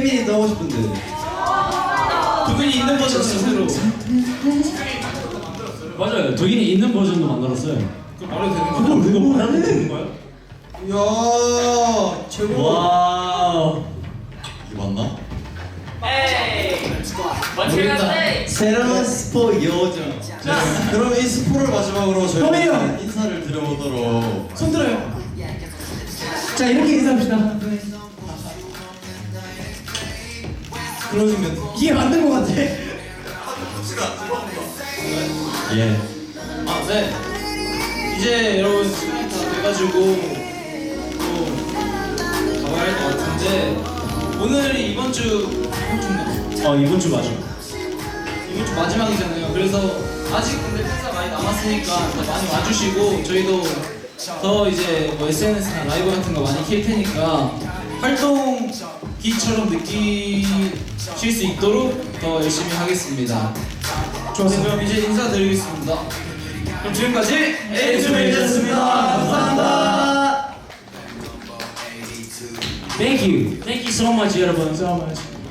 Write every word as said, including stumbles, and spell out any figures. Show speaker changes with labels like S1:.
S1: 팬미니트 하고 싶은데.
S2: 덕분이 있는 버전 스스로.
S3: 맞아요. 덕인이 있는 버전도 만들었어요.
S2: 그거 말해도 되는
S3: 그걸
S2: 거야?
S3: 그거 말하면 되는 거야?
S1: 이야 최고.
S3: 와.
S1: 이게 맞나?
S2: 모르겠다.
S1: 새로운 스포 요정. 자, 그럼 이 스포를 마지막으로 저희가
S4: 호민이 형!
S1: 인사를 드려보도록.
S4: 손 들어요. 자 이렇게 인사합시다.
S1: 클로징 멘트.
S4: 이게 맞는 것 같아.
S3: 예.
S2: 아, 네. 이제 여러분 시간이 다 돼가지고 또 가봐야 할 것 같은데 오늘이 이번 주 이번 주인가?
S3: 어 이번 주 맞아.
S2: 이번 주 마지막이잖아요. 그래서 아직 근데 팬사 많이 남았으니까 더 많이 와주시고 저희도 더 이제 뭐 에스엔에스나 라이브 같은 거 많이 킬 테니까 활동기처럼 느끼실 수 있도록 더 열심히 하겠습니다. 좋았어요. 그럼 이제 인사드리겠습니다. 그럼 지금까지 에이즈메이저였습니다. 감사합니다.
S3: Thank you. Thank you so much 여러분.
S4: So much.